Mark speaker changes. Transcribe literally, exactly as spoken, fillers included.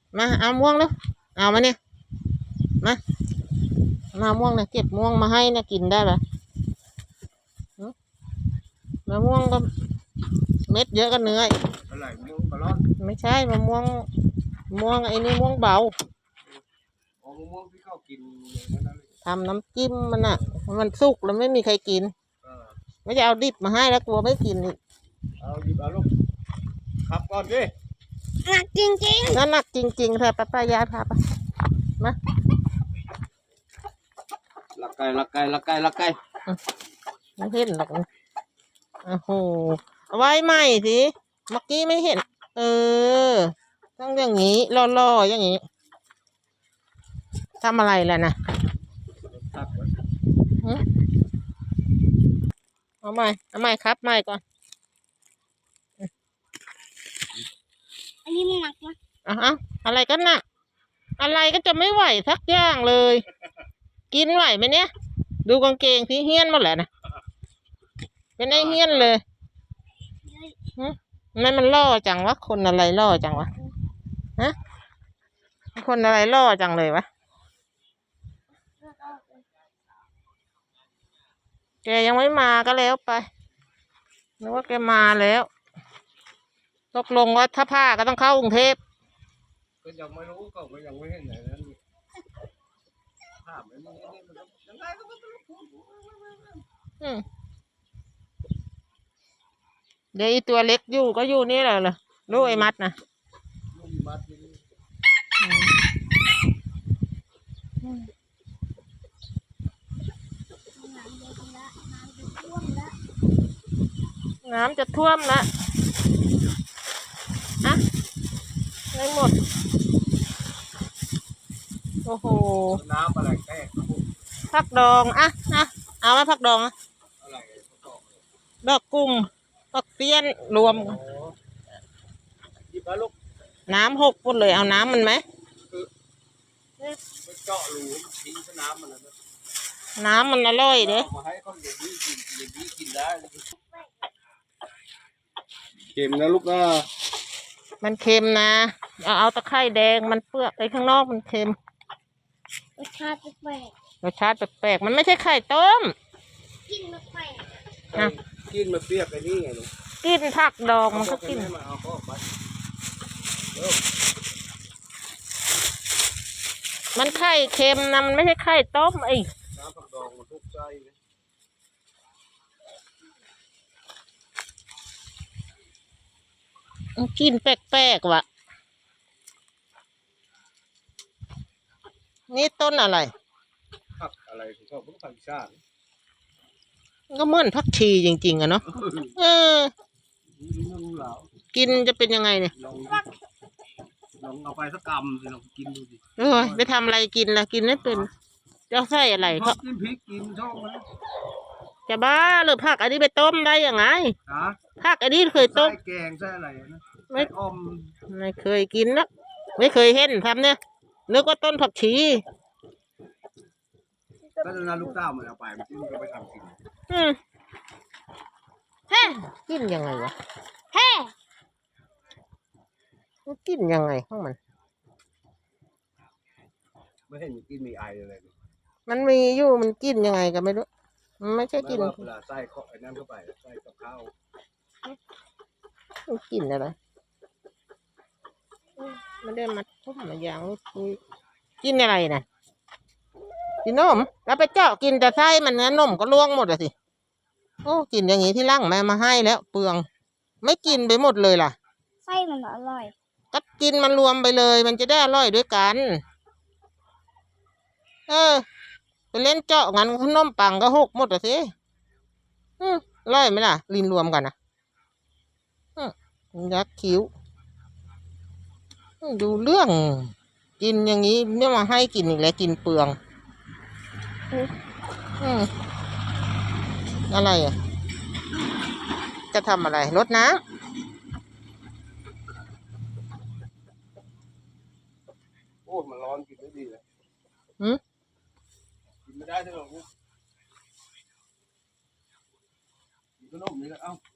Speaker 1: มาเอาม่วงแล้วเอามาเนี่ยมามาม่วงเนี่ยเก็บม่วงมาให้นะกินได้ปะมะม่วงก็เม็ดเยอะก็เนื้อ
Speaker 2: อะไรม่วงกระรอน
Speaker 1: ไม่ใช่มะม่วงม่วงไอ้นี่ม่วงเบา
Speaker 2: อ๋อมะม่วงที่เขากิน
Speaker 1: ทำน้ำจิ้มมันอ่ะมันสุกแล้วไม่มีใครกินไม่จะเอาดิบมาให้แล้วกลัวไม่กินอีก
Speaker 2: เอาดิบเอาลูกขับก่อนดิ
Speaker 1: หนักจริงๆนั่นหนักจริงๆเธอป้าป้ายาพาไปมา
Speaker 2: ลักไก่ลักไก่ลักไก่ลักไก่
Speaker 1: ไม่เห็นหรอกโอ้โหเอาไว้ใหม่สิเมื่อกี้ไม่เห็นเออต้องอย่างนี้ล่อๆอย่างนี้ทำอะไรล่ะนะเอาใหม่เอาใหม่ครับใหม่ก่อน
Speaker 3: อันนี้มันหนักนะ
Speaker 1: เอาเอาอะไรกันน่ะอะไรก็จะไม่ไหวสักอย่างเลย กินไหวไหมเนี่ยดูกางเกงที่เฮี้ยนหมดแหละนะเป็นไอเฮี้ยนเลยนั่นมันล่อจังวะคนอะไรล่อจังวะฮะคนอะไรล่อจังเลยวะแกยังไม่มาก็แล้วไปนึกว่าแกมาแล้วตกลงว่าถ้าผ้าก็ต้องเข้ากรุงเทพ
Speaker 2: ก็ยังไม่รู้ก็ยังไม่เห็นไหนนั้นภาพมันยังไงก็ไม่
Speaker 1: รู้เดี๋ยวอีตัวเล็กอยู่ก็อยู่นี่แหละเหรอลูกไอ้มัดนะน้ำจะท่วมละอะไม่หมดโอ้โห
Speaker 2: น้ำอะไรแตก
Speaker 1: ผักดองอะอะเอาไหมผักดองอะดอกกุ้งผักเปี้ยนรวมน้ำหกพุ่นเลยเอาน้ำมันไหม
Speaker 2: เจาะรูทิ้งน้ำมัน
Speaker 1: น้ำมันอร่อยเด้
Speaker 2: มาให้เขาเดี๋ยวนี้กินเดี๋ยวนี้กินได้เค็มนะลูกนะ
Speaker 1: มันเค็มนะเอาเอาตะไคร้แดงมันเปลือกไปข้างนอกมันเค็ม
Speaker 3: รสชาติแปลก
Speaker 1: รสชาติแปลกมันไม่ใช่ไข่ต้ม
Speaker 3: กินมาแปล
Speaker 2: กกินมาเปรี้ยวไปนี่ไงลูก
Speaker 1: กินผักดองมันก็กินมันไข่เค็มนะมันไม่ใช่ไข่ต้มไอ้
Speaker 2: น้ำผักดองมันทุกใจ
Speaker 1: กินแปลกๆว่ะนี่ต้นอะไร
Speaker 2: ผักอะไรของเขาเป็นผักชาติ
Speaker 1: ก็เหมือนผักชีจริงๆอะเนาะเออกินจะเป็นยังไงเนี่ย
Speaker 2: ลองลองเอาไปสักกำสิลองกินดูสิ
Speaker 1: เออไปทำอะไรกินล่ะกินไม่เป็นจะใส่อะไรเขา
Speaker 2: กินพริกกินช่องนะ
Speaker 1: จะบ้าหรือผักอันนี้ไปต้มได้ยังไงผักอันนี้เคยต้ม
Speaker 2: แกงใช่อะไรนะ
Speaker 1: ไม่อมไม่เคยกินนะไม่เคยเห็นทำเนี่ยนึกว่าต้นผักชี
Speaker 2: ก็จะน่าลูกเต้ามันเอาไปมันก็ไปทำกิน
Speaker 1: อืมเฮ้กินยังไงวะ
Speaker 3: เฮ้
Speaker 1: มันกินยังไงข้างมัน
Speaker 2: ไม่เห็นกินมีไออะไร
Speaker 1: มันมีอยู่มันกินยังไงกันไม่รู้มันไม่ใช่กิน
Speaker 2: เวลาใส่ข้าวไอ้นั่นเข้าไปใส่กับข้าว
Speaker 1: มันกินอะไรไม่ได้มาทุ่มมาอย่างคุยกินอะไรนะกินนมแล้วไปเจาะกินแต่ไส้มันนะนมก็ล่วงหมดเลยสิโอ้กินอย่างนี้ที่ร่างแม่มาให้แล้วเปลืองไม่กินไปหมดเลยล่ะ
Speaker 3: ไส้มันอร่อย
Speaker 1: ก็กินมันรวมไปเลยมันจะได้อร่อยด้วยกันเออไปเล่นเจาะงั้นขนมปังก็หกหมดเลยสิอืมอร่อยไหมล่ะลินรวมกันนะอืมยักษ์คิ้วดูเรื่องกินอย่างนี้เนี่ยมาให้กินอีกแล้วกินเปลืองอืมอะไรอ่ะจะทำอะไรรดน้ำ
Speaker 2: โอ้มันร้อนกินไม่ดีเลย
Speaker 1: อืม
Speaker 2: กินไม่ได้ใช่หรอกินขนมนี่แหละเอ้า